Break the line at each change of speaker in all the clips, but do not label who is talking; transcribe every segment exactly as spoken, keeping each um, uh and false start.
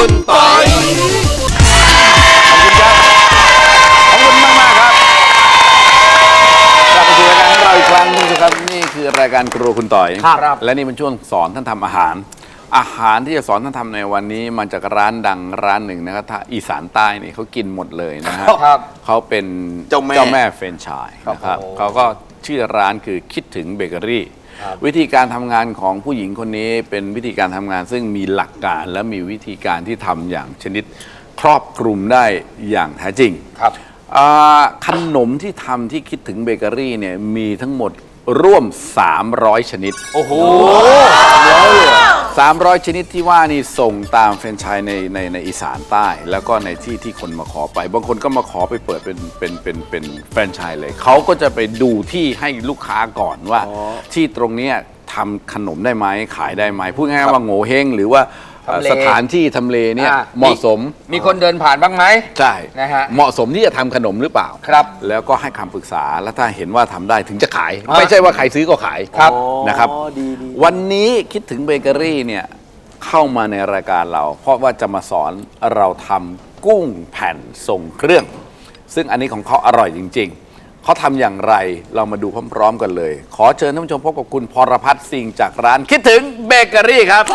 คุณปอยขอบคุณครับขอบคุณมากมากครับกลับมาสู่รายการของเราอีกครั้งนึงครับนี่คือรายการครัวคุณต่อยครับและนี่เป็นช่วงสอนท่านทำอาหารอาหารที่จะสอนท่านทำในวันนี้มาจากร้านดังร้านหนึ่งนะครับถ้าอีสานใต้นี่เขากินหมดเลยนะฮะเขาเป็นเจ้าแม่เจ้าแม่เฟรนช์ชายนะครับเขาก็ชื่อร้านคือคิดถึงเบเกอรี่วิธีการทำงานของผู้หญิงคนนี้เป็นวิธีการทำงานซึ่งมีหลักการและมีวิธีการที่ทำอย่างชนิดครอบคลุมได้อย่างแท้จริงครับขนมที่ทำที่คิดถึงเบเกอรี่เนี่ยมีทั้งหมดร่วมสามร้อยชนิดโอ้โหสามร้อยชนิดที่ว่านี่ส่งตามแฟรนไชส์ในในในอีสานใต้แล้วก็ในที่ที่คนมาขอไปบางคนก็มาขอไปเปิดเป็นเป็นเป็นเป็นแฟรนไชส์เลยเขาก็จะไปดูที่ให้ลูกค้าก่อนว่าที่ตรงนี้ทำขนมได้ไหมขายได้ไหมพูดง่ายๆว่าโง่เฮงหรือว่าสถานที่ทำเลเนี่ยเหมาะสม
มีคนเดินผ่านบ้างไหม
ใช่นะฮะเหมาะสมที่จะทำขนมหรือเปล่าครับแล้วก็ให้คำปรึกษาแล้วถ้าเห็นว่าทำได้ถึงจะขายไม่ใช่ว่าใครซื้อก็ขายครับนะครับวันนี้คิดถึงเบเกอรี่เนี่ยเข้ามาในรายการเราเพราะว่าจะมาสอนเราทำกุ้งแผ่นทรงเครื่องซึ่งอันนี้ของเขาอร่อยจริงๆเขาทำอย่างไรเรามาดูพร้อมๆกันเลยขอเชิญท่านผู้ชมพบกับคุณพรพัฒน์สิงห์จากร้านคิดถึงเบเกอรี่ครับ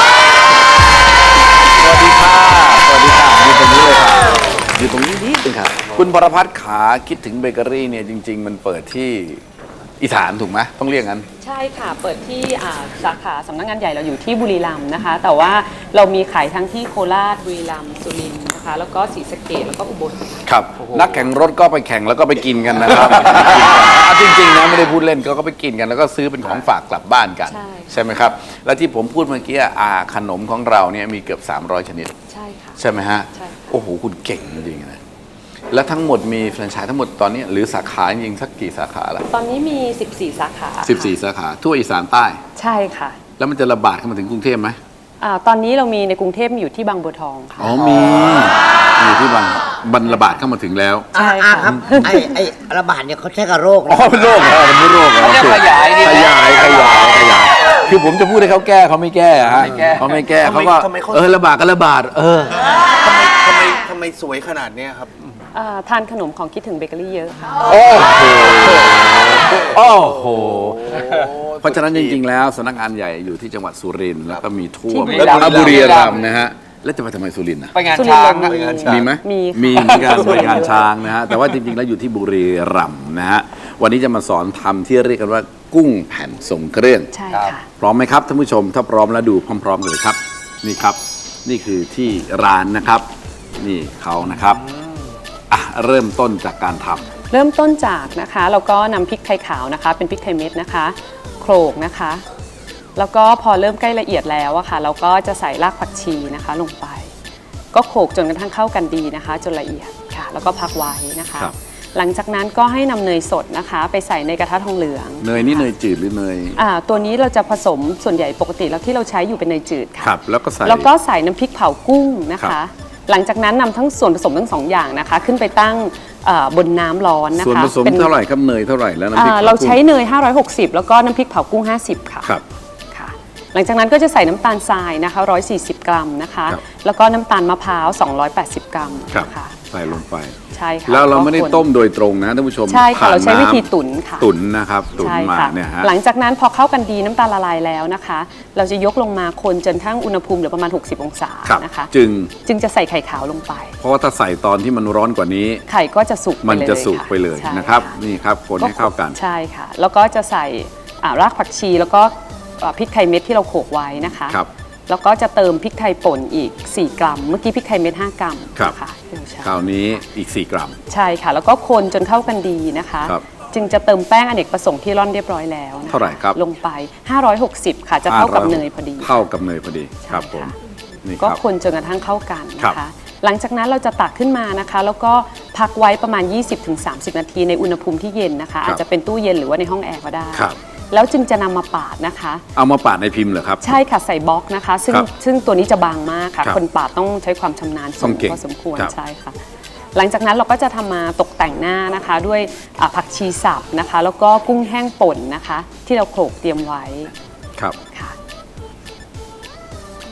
สวัสดีค่ะสวัสดีค่ะอยู่ตรงนี้เลยค่ะอยู่ตรงนี้นิดนึงค่ะคุณพรพัฒน์ขาคิดถึงเบเกอรี่เนี่ยจริงๆมันเปิดที่อีสานถูกไหมต้องเรียกงั้น
ใช่ค่ะเปิดที่สาขาสำนักงานใหญ่เราอยู่ที่บุรีรัมย์นะคะแต่ว่าเรามีขายทั้งที่โคราชบุรีรัมย์สุรินทร์นะคะแล้วก็ศรีสะเกษแล้วก็อุบล
ครับนักแข่งรถก็ไปแข่งแล้วก็ไปกินกันนะครับจริงๆนะไม่ได้พูดเล่นก็ไปกินกันแล้วก็ซื้อเป็นของฝากกลับบ้านกันใช่ไหมครับแล้วที่ผมพูดเมื่อกี้อาขนมของเราเนี่ยมีเกือบสามร้อยชนิด
ใช่ค่ะ
ใช่ไหมฮะโอ้โหคุณเก่งจริงๆนะแล้วทั้งหมดมีแฟรนไชส์ทั้งหมดตอนนี้หรือสาขาจริงสักกี่สาขาละ
ตอนนี้มีสิบสี่สาขา
สิบสี่สาขาทั่วอีสานใต้
ใช่ค่ะ
แล้วมันจะระบาดเข้ามาถึงกรุงเทพไหม
อ่าตอนนี้เรามีในกรุงเทพอยู่ที่บางบัวทองค่ะ
อ๋อมีมีที่บางบันระบาดเข้ามาถึงแล้ว
ใช่ค่ะ
ครับไอไอระบาดเนี่ยเขาใช้กับโรค
อ๋อเป็นโรคเหรอเป็นโรคเหรอ
ขยาย
ขยายขยายขยายคือผมจะพูดให้เขาแก้เขาไม่แก้ฮะเขาไม่แก้เขาก็เออระบาดก็ระบาดเออ
ทำไมทำไมทำไมสวยขนาดนี้ครับ
ทานขนมของคิดถึงเบเกอรี่เยอะค่ะ
โอ้โหโอ้โหเพราะฉะนั้นจริงๆแล้วสำนักงานใหญ่อยู่ที่จังหวัดสุรินทร์แล้วก็มีทั่วบุรีรัมย์นะฮะแล้วจะไปทำไมสุรินทร์นะ
ไปงานช้าง
มีไหม
มี
มีเหมือนกันไปงานช้างนะฮะแต่ว่าจริงๆแล้วอยู่ที่บุรีรัมย์นะฮะวันนี้จะมาสอนทำที่เรียกกันว่ากุ้งแผ่นทรงเครื่อง
ใช่ค่ะ
พร้อมไหมครับท่านผู้ชมถ้าพร้อมแล้วดูพร้อมๆกันเลยครับนี่ครับนี่คือที่ร้านนะครับนี่เขานะครับอ่ะเริ่มต้นจากการทำ
เริ่มต้นจากนะคะเราก็นำพริกไทยขาวนะคะเป็นพริกไทยเม็ดนะคะโขลกนะคะแล้วก็พอเริ่มใกล้ละเอียดแล้วอะค่ะเราก็จะใส่รากผักชีนะคะลงไปก็โขลกจนกระทั่งเข้ากันดีนะคะจนละเอียดค่ะแล้วก็พักไว้นะคะหลังจากนั้นก็ให้นำเนยสดนะคะไปใส่ในกระทะทองเหลือง
เนยนี่เนยจืดหรือเนย
อ่าตัวนี้เราจะผสมส่วนใหญ่ปกติแล้วที่เราใช้อยู่เป็นเนยจืดค่ะ
ครับแล้วก็ใส่
แล้วก็ใส่น้ำพริกเผากุ้งนะคะหลังจากนั้นนำทั้งส่วนผสมทั้งสองอย่างนะคะขึ้นไปตั้งบนน้ำร้อนนะคะ
ส่วนผสมเท่าไหร่ครับเนยเท่าไหร่แล้วน้ำพริก
เราใช้เนยห้าร้อยหกสิบแล้วก็น้ำพริกเผากุ้งห้าสิบค่ะ
ครับ
ค่ะหลังจากนั้นก็จะใส่น้ำตาลทรายนะคะหนึ่งร้อยสี่สิบกรัมนะคะแล้วก็น้ำตาลมะพร้าวสองร้อยแปดสิบกรัม
ค่ะใส่ลงไป
ใช่ค่ะ
แล้วเราไม่ได้ต้มโดยตรงนะท่านผู้ชม
ใช่ค่ะเราใช้วิธีตุ๋นค่ะ
ตุ๋นนะครับตุ๋นมาเนี่ยฮะ
หลังจากนั้นพอเข้ากันดีน้ำตาลละลายแล้วนะคะเราจะยกลงมาคนจนทั้งอุณหภูมิเหลือประมาณหกสิบองศานะคะ
จึง
จึงจะใส่ไข่ขาวลงไป
เพราะว่าถ้าใส่ตอนที่มันร้อนกว่านี้
ไข่ก็จะสุก
มันจะสุกไปเลยนะครับนี่ครับคนให้เข้ากัน
ใช่ค่ะแล้วก็จะใส่รากผักชีแล้วก็พริกไทยเม็ดที่เราโขลกไว้นะคะแล้วก็จะเติมพริกไทยป่นอีกสี่กรัมเมื่อกี้พริกไทยเม็ดห้ากรัม
ค่ะคราวนี้อีกสี่กรัม
ใช่ค่ะแล้วก็คนจนเข้ากันดีนะคะจึงจะเติมแป้งอเนกประสงค์ที่ร่อนเรียบร้อยแล้ว
เท่าไหร่ครับ
ลงไปห้าร้อยหกสิบค่ะจะเท่ากับเนยพอดี
เท่ากับเนยพอดีครับผม
ก็คนจนกระทั่งเข้ากันนะคะหลังจากนั้นเราจะตักขึ้นมานะคะแล้วก็พักไว้ประมาณ ยี่สิบถึงสามสิบ นาทีในอุณหภูมิที่เย็นนะคะอาจจะเป็นตู้เย็นหรือว่าในห้องแอร์ก็ได้แล้วจึงจะนำมาปาดนะคะ
เอามาปาดในพิมพ์เหรอครับ
ใช่ค่ะใส่บล็อกนะคะซึ่งซึ่งตัวนี้จะบางมากค่ะคนปาดต้องใช้ความชำนาญสูงพอสมควรใช่ค่ะหลังจากนั้นเราก็จะทำมาตกแต่งหน้านะคะด้วยผักชีสับนะคะแล้วก็กุ้งแห้งป่นนะคะที่เราโขลกเตรียมไว้
ครับ
ค่ะ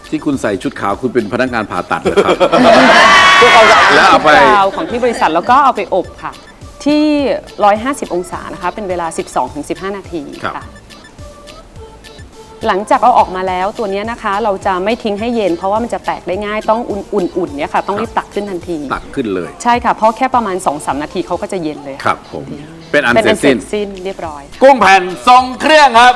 ที่คุณใส่ชุดขาวคุณเป็นพนักงานผ่าตัดเหรอครับ
แล้
แล้ว ว
เอา
เอา
ไป
ไป
ของที่บริษัทแล้วก็เอาไปอบค่ะ ที่ หนึ่งร้อยห้าสิบ องศานะคะ เป็นเวลา สิบสองถึงสิบห้า นาที
ครับ
ค่ะ หลังจากเอาออกมาแล้วตัวเนี้ยนะคะ เราจะไม่ทิ้งให้เย็น เพราะว่ามันจะแตกได้ง่ายต้องอุ่นๆเนี่ยค่ะ ต้องรีบตักขึ้นทันที
ตักขึ้นเลย
ใช่ค่ะ เพราะแค่ประมาณ สองถึงสาม นาทีเขาก็จะเย็นเลย
ครับผม เป็นอัน
เป็น
เสร็
อั
จ
นเสร็
สิ้น
จสิ้นเรียบร้อย
กุ้งแผ่นทรงเครื่องครับ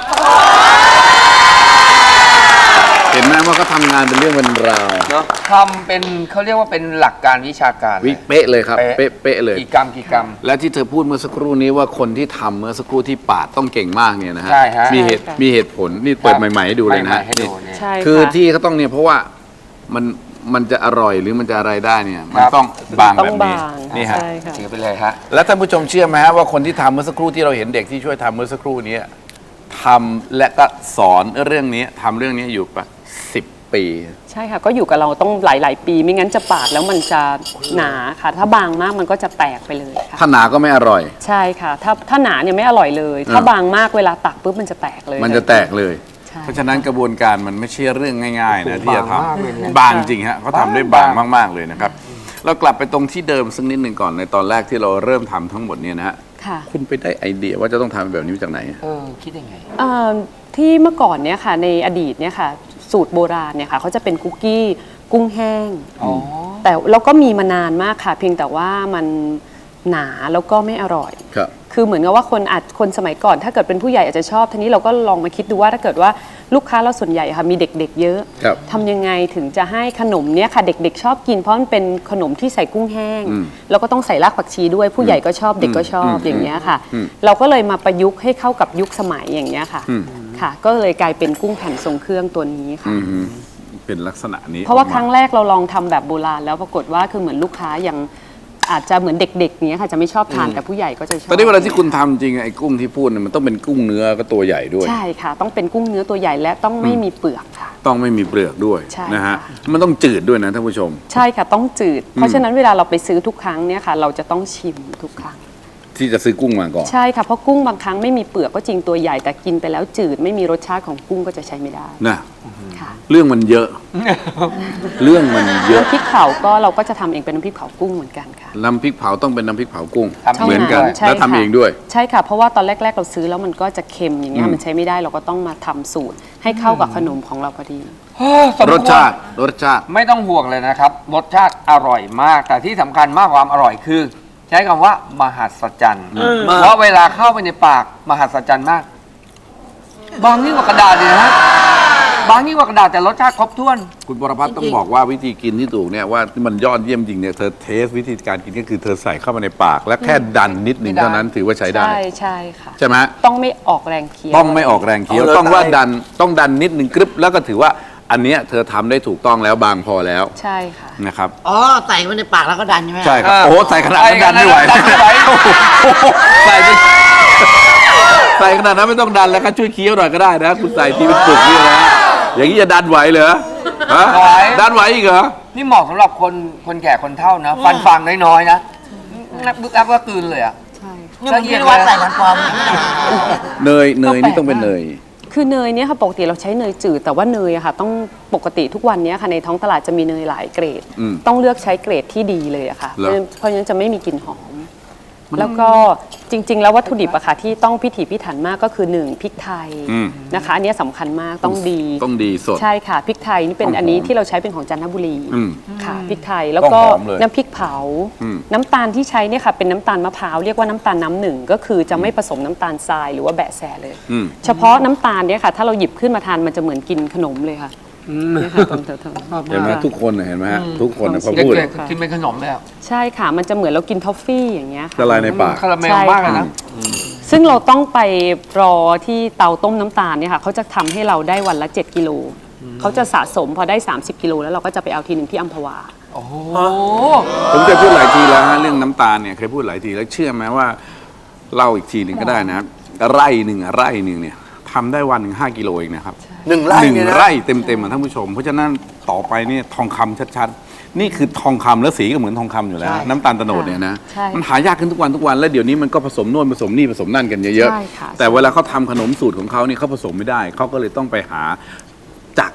เห็นไหมว่าเขาทำงานเป็นเรื่องเป็นราว
เนาะทำเป็นเขาเรียกว่าเป็นหลักการวิชาการ
วิเป๊ะเลยครับ เป๊ะเป๊ะเลย
กี่กรัมกี่กรัม
และที่เธอพูดเมื่อสักครู่นี้ว่าคนที่ทำเมื่อสักครู่ที่ปาดต้องเก่งมากเนี่ยนะฮะ
ใช่ฮะ
มีเหตุ
ใช่ค่ะ
มีเหตุผลนี่เปิดใหม่ๆให้ดูเลยนะ
ใหม่
ฮะ
ๆให้ดู
นี่
เนี่ย
ใช่
คือ
ค่ะ
ที่เขาต้องเนี่ยเพราะว่ามันมันจะอร่อยหรือมันจะอะไรได้เนี่ยมัน
ครับ
ต้องบาง
ต้อ
แบ
ง
บนี้
บาง
นี่ฮะ
ใช่ค่ะ
ถือไปเลยฮะ
แล้วท่านผู้ชมเชื่อไหมฮะว่าคนที่ทำเมื่อสักครู่ที่เราเห็นเด็กที่ช่วยทำเมื่อสักครู่นี้ทำและก็สอนเรื่องนี้ทำเรื่องนี้อยู่ปะสิบปี
ใช่ค่ะ ก็อยู่กับเราต้องหลาย ๆ ปี ไม่งั้นจะปาดแล้วมันจะหนาค่ะ ถ้าบางมากมันก็จะแตกไปเลยค่ะ
ถ้าหนาก็ไม่อร่อย
ใช่ค่ะ ถ้าถ้าหนาเนี่ยไม่อร่อยเลย ถ้า
อ่า
บางมากเวลาตักปุ๊บมันจะแตกเลย
มันจะแตกเลย
ใช่
เพราะฉะนั้นกระบวนการมันไม่ใช่เรื่องง่าย ๆ นะที่จะท
บางมากเลยเนี่ย
ำบางจริงฮะเขาทำได้บาง
บาง
มากๆเลยนะครับ เรากลับไปตรงที่เดิมสักนิดหนึ่งก่อนในตอนแรกที่เราเริ่มทำทั้งหมดเนี่ยนะฮะ
ค่ะ
คุณไปได้ไอเดียว่าจะต้องทำแบบนี้มาจากไหน
เออคิดยังไง
เอ่อที่เมื่อก่อนเนี่ยค่ะ ในอดีตเนี่ยค่ะ สูตรโบราณเนี่ยค่ะเขาจะเป็นคุกกี้กุ้งแห้ง
อ๋อ
แต่เราก็มีมานานมากค่ะ เพียงแต่ว่ามันหนาแล้วก็ไม่อร่อย
ครับ
คือเหมือนกับว่าคนอาจคนสมัยก่อน ถ้าเกิดเป็นผู้ใหญ่อาจจะชอบทีนี้เราก็ลองมาคิดดูว่าถ้าเกิดว่าลูกค้าเราส่วนใหญ่ค่ะมีเด็กๆ เยอะ
ครับ
ทำยังไงถึงจะให้ขนมเนี้ยค่ะเด็กๆ ชอบกินเพราะมันเป็นขนมที่ใส่กุ้งแห้ง
อืม
แล้วก็ต้องใส่รากผักชีด้วยผู้ใหญ่ก็ชอบเด็กก็ชอบ
อืม
อย่างเงี้ยค่ะ
อืม
เราก็เลยมาประยุกต์ให้เข้ากับยุคสมัยอย่างเงี้ยค่ะ
อืม
ค่ะ ก็เลยกลายเป็นกุ้งแผ่นทรงเครื่องตัวนี้ค่ะ
อืมเป็นลักษณะนี้
เพราะว่า
ออกม
ครั้งแรกเราลองทำแบบโบราณแล้วปรากฏว่าคือเหมือนลูกค้ายังอาจจะเหมือนเด็กๆเนี้ยค่ะจะไม่ชอบทานแต่ผู้ใหญ่ก็จะชอบ
ตอนนี้เวลาที่คุณทำจริงไอ้กุ้งที่พูดเนี่ยมันต้องเป็นกุ้งเนื้อก็ตัวใหญ่ด้วย
ใช่ค่ะ ต้องเป็นกุ้งเนื้อตัวใหญ่และต้องไม่มีเปลือกค่ะ
ต้องไม่มีเปลือกด้วย
ใช่
นะฮะ
ค่ะ
มันต้องจืดด้วยนะท่านผู้ชม
ใช่ค่ะต้องจืด เพราะฉะนั้นเวลาเราไปซื้อทุกครั้งเนี่ยค่ะ เราจะต้องชิมทุกครั้ง
ที่จะซื้อกุ้งมาก่อน
ใช่ค่ะเพราะกุ้งบางครั้งไม่มีเปลือกก็จริงตัวใหญ่แต่กินไปแล้วจืดไม่มีรสชาติของกุ้งก็จะใช้ไม่ได้
นะ
ค่ะ
เรื่องมันเยอะ เรื่องมันเยอะ
น้ำพริกเผาก็เราก็จะทำเองเป็นน้ำพริกเผากุ้งเหมือนกันค่ะ
น้ำพริกเผาต้องเป็นน้ำพริกเผากุ้ง
ทำเอง
เหมือนกัน
ใช่
แล้วทำ
ค่ะ
เองด้วย
ใช่ค่ะ เพราะว่าตอนแรก ๆ เราซื้อแล้วมันก็จะเค็มอย่างเงี้ย
อืม
มันใช้ไม่ได้เราก็ต้องมาทำสูตร ให้เข้ากับขนมของเราพอดี
รสชาติรสชาติ
ไม่ต้องห่วงเลยนะครับ รสชาติอร่อยมาก แต่ที่สำคัญมากกว่าความอร่อยคือ ใช้คำว่ามหัศจรรย์เพราะเวลาเข้าไปในปากมหัศจรรย์มาก บางยิ่งกว่ากระดาษเลยนะฮะบางยิ่งกว่ากระดาษแต่รสชาติครบถ้วน
คุณปรพัฒน์ต้องบอกว่าวิธีกินที่ถูกเนี่ยว่ามันยอดเยี่ยมจริงเนี่ยเธอเทสวิธีการกินก็คือเธอใส่เข้ามาในปาก และแค่ดันนิดหนึ่ง
ไม่ได้
เท่านั้นถือว่าใช้ได้
ใช่ใช่ค่ะ
ใช่ไหม
ต้องไม่ออกแรงเคี้ยว
ต้องไม่ออกแรงเคี้ยว
เอาเลย
ต้องว่า
ตาย
ดันต้องดันนิดหนึ่งกรึบแล้วก็ถือว่าอันเนี้ยเธอทำได้ถูกต้องแล้วบางพอแล้ว
ใช่ค่ะ
นะครับ
อ๋อ ใส่ไว้ในปากแล้วก็ดันใช่ไหม
ใช่ครับ
อ่า
โอ้โหใส่ขนาดนั้นดันไม่ไหว
ดันไม่ไหว
โอ้โหใส่ไปใส่ขนาดนั้นไม่ต้องดันแล้วก็ช่วยเคี้ยวหน่อยก็ได้นะคุณใส่ทีเป็นปึกนี่นะอย่างนี้จะดันไหวเหรอฮะ
ไหว
ดันไหวอีกเหรอ
นี่เหมาะสำหรับคนคนแก่คนเฒ่านะ ฟันฟางน้อยๆนะนับบึกอัพก็กลืนเลยอ่ะ
ใช่
นี่มันคิดว่าใส่มันปลอม
เนยเนยนี่ต้องเป็นเนย
คือเนยเนี่ยค่ะปกติเราใช้เนยจืดแต่ว่าเนยอะค่ะต้องปกติทุกวันเนี้ยค่ะในท้องตลาดจะมีเนยหลายเกรด
อืม
ต้องเลือกใช้เกรดที่ดีเลยอะค่ะ
เหรอ
เพราะฉะนั้นจะไม่มีกลิ่นหอม แล้วก็จริง ๆ แล้ววัตถุดิบอะค่ะที่ต้องพิถีพิถันมากก็คือหนึ่งพริกไทย
อืม
นะคะอันเนี้ยสำคัญมากต้องดี
ต้องดีสด
ใช่ค่ะพริกไทยนี่เป็น
ต้องหอม
อันนี้ที่เราใช้เป็นของจันทบุรี
อืม
ค่ะพริกไทยแล้วก็
ต้องหอมเลย
น้ำพริกเผา
อืม
น้ำตาลที่ใช้เนี่ยค่ะเป็นน้ำตาลมะพร้าวเรียกว่าน้ำตาลน้ำหนึ่งก็คือจะไม่ผสมน้ำตาลทรายหรือว่าแบะแสเลย
อืม
เฉพาะน้ำตาลเนี่ยค่ะ ถ้าเราหยิบขึ้นมาทานมันจะเหมือนกินขนมเลยค่ะเนี่ยค่ะตรงเถอะๆ
เห็นไหมทุกคนน่ะเห็นไหมฮะทุกคนน่ะพอ
เด็
พูด
กๆกินเป็นขนมเลยอ่ะ
ใช่ค่ะ มันจะเหมือนเรากินทอฟฟี่อย่างเงี้ย
ละ
ค่ะ
ลายในปาก
คาราเมลมากเลยนะ
ซึ่งเราต้องไปรอที่เตาต้มน้ำตาลเนี่ยค่ะเขาจะทำให้เราได้วันละเจ็ดกิโลเขาจะสะสมพอได้สามสิบกิโลแล้วเราก็จะไปเอาทีหนึ่งที่อัมพวา
โอ้โห
ผมเคยพูดหลายทีแล้วฮะเรื่องน้ำตาลเนี่ยเคยพูดหลายทีแล้วเชื่อไหมว่าเล่าอีกทีหนึ่งก็ได้นะไร่หนึ่งอะไร่หนึ่งเนี่ยทำได้วันหนึ่งห้ากิโลเองนะครับ
หนึ่งไร่
หนึ่ง
เนี่ยนะ
ไร่เต็มๆอ่ะท่านผู้ชม เพราะฉะนั้นต่อไปเนี่ยทองคำชัดๆ นี่คือทองคำแล้วสีก็เหมือนทองคำอยู่แล้ว
ใช่
น้ำตาลโตโนดเนี่ยนะ
ใช่
มันหายากขึ้นทุกวันทุกวันแล้วเดี๋ยวนี้มันก็ผสมโน่นผสมนี่ผสมนั่นกันเยอะ
ใช่ค่ะ
ๆแต่เวลาเขาทำขนมสูตรของเขาเนี่ยเขาผสมไม่ได้เขาก็เลยต้องไปหาจาก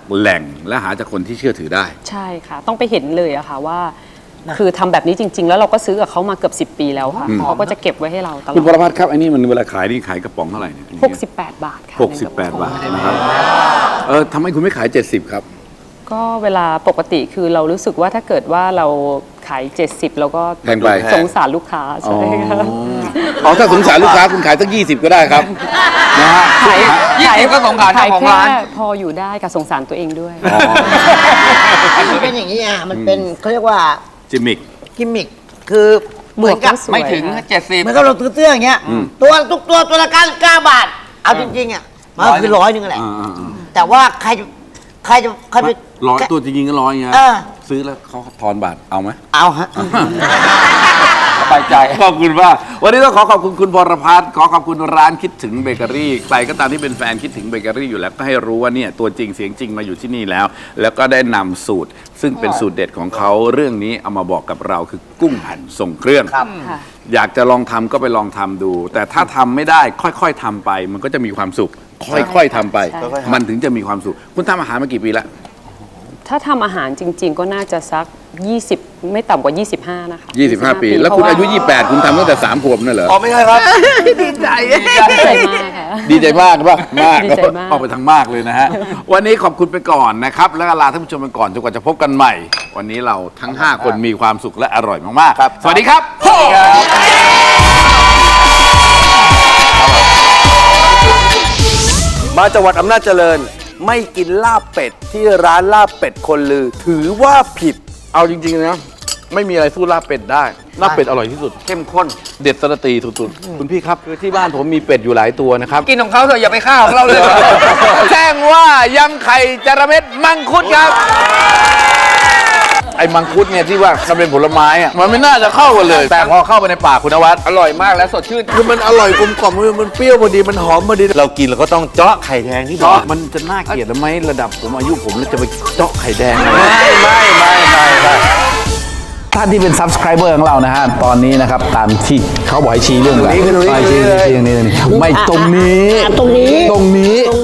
แหล่งและหาจากคนที่เชื่อถือได้
ใช่ค่ะ ต้องไปเห็นเลยอะค่ะว่า คือทำแบบนี้จริง ๆ แล้วเราก็ซื้อกับเขามาเกือบสิบปีแล้วค่ะเขาก็จะเก็บไว้ให้เราตลอ
คุณป
ด
รพัฒน์ครับไอ้นี่มันเวลาขายนี่ขายกระป๋องเท่าไหร่เนี่ย
หกสิบแปดบาทค่ะ
หกสิบแปดบาทนะครับเออทำไมคุณไม่ขายเจ็ดสิบครับ
ก็เวลาปกติคือเรารู้สึกว่าถ้าเกิดว่าเราขายเจ็ดสิบเราก็
แพงไป
สงสารลูกค้าใช่ค่ะ
อ๋อถ้าสงสารลูกค้าคุณขายสักยี่สิบก็ได้ครับนะฮะ
ขาย
ยี่สิบก็สงสารเจ้า
ขาย
ของ
แค่
ร้าน
พออยู่ได้กับสงสารตัวเองด้วย
มันเป็นอย่างนี้อ่ะ มันเป็นเขาเรียกว่า
จิมมิก
กิมมิค คือเหมือนกับ
สวย
ไม่ถึง
ค่ะ
เจ็ดสิบ
เหมือนกับเราซื้อเสื้ออย่างเงี้ย ตัวทุกตัวตัวละเก้าเก้าบาท เอาจริงๆอ่ะ มันก็คือร้อยหนึงแหละ
อ่าอ่า
แต่ว่าใครจะใครจะใครไป
ร้อยตัวจริงๆก็ร้อยไง
เออ
ซื้อแล้วเขาทอนบาทเอาไหม
เอาฮะ
สบายใจ
ขอบคุณมากวันนี้ต้องขอขอบคุณคุณพรพัฒน์ขอขอบคุณร้านคิดถึงเบเกอรี่ใครก็ตามที่เป็นแฟนคิดถึงเบเกอรี่อยู่แล้วก็ให้รู้ว่าเนี่ยตัวจริงเสียงจริงมาอยู่ที่นี่แล้ว แล้วก็ได้นำสูตร ซึ่งเป็นสูตรเด็ดของเขาเรื่องนี้เอามาบอกกับเราคือกุ้งหั่นส่งเครื่อง
ครับ
ค่ะ
อยากจะลองทำก็ไปลองทำดู แต่ถ้าทำไม่ได้ค่อยๆทำไป มันก็จะมีความสุข ค่อยๆทำไป
ใช่ค่ะ
มันถึงจะมีความสุข คุณทำอาหารมากี่ปีแล้ว
ถ้าทำอาหารจริง ๆ ก็น่าจะสัก ยี่สิบ ไม่ต่ำกว่า ยี่สิบห้า นะคะ
ยี่สิบห้า ปี แล้วคุณอายุ ยี่สิบแปด คุณทำตั้งแต่สามขวบนั่นเหรอ
อ๋อไม่ใช่ครับ
ดีใจ
เพราะว่าดีใจมากค่ะ
ดีใจมากป่ะมาก
ดีใจมาก
ออกไปทางมากเลยนะฮะ วันนี้ขอบคุณไปก่อนนะครับ แล้วก็ลาท่านผู้ชมไปก่อนจนกว่าจะพบกันใหม่ วันนี้เราทั้ง ห้า คนมีความสุขและอร่อยมากๆ สวัสดีครับ
มาจังหวัดอำนาจเจริญ ไม่กินลาบเป็ดที่ร้านลาบเป็ดคนลือ ถือว่าผิด
เอาจริงๆนะไม่มีอะไรสู้ลาบเป็ดได้ลาบเป็ดอร่อยที่สุด
เข้มข้น
เด็ดสระตีสุดๆคุณพี่ครับคือที่บ้านผมมีเป็ดอยู่หลายตัวนะครับ
กินของเขาเถอะอย่าไปฆ่าของเราเลย
แจ้งว่ายำไข่จระเม็ดมังคุดครับ ไอ้มังคุดเนี่ยที่ว่ามันเป็นผลไม้อะมันไม่น่าจะเข้ากันเลย แต่พอเข้าไปในปากคุณนวัด
อร่อยมากและสดชื่น
คือมันอร่อยกลมกล่อมมันเปรี้ยวพอดี มันหอมพอดี เรากินเราก็ต้องเจาะไข่แดงที่บอ
เจาะ
ก
มันจะน่าเกลียดไหมระดับผมอายุผมแล้วจะไปเจาะไข่แดง
ไม่ไม่ไม่ไม่ไม่
ท่านที่เป็น subscriber ของเรานะฮะ ตอนนี้นะครับ ตามที่เขาบอกให้ชี้เรื่องอะไร
ตรงนี้คือตรงนี้
ชี้ชี้ชี้ชี้ตรงนี้ไม่ตรงนี้
ตรงนี้
ตรงนี้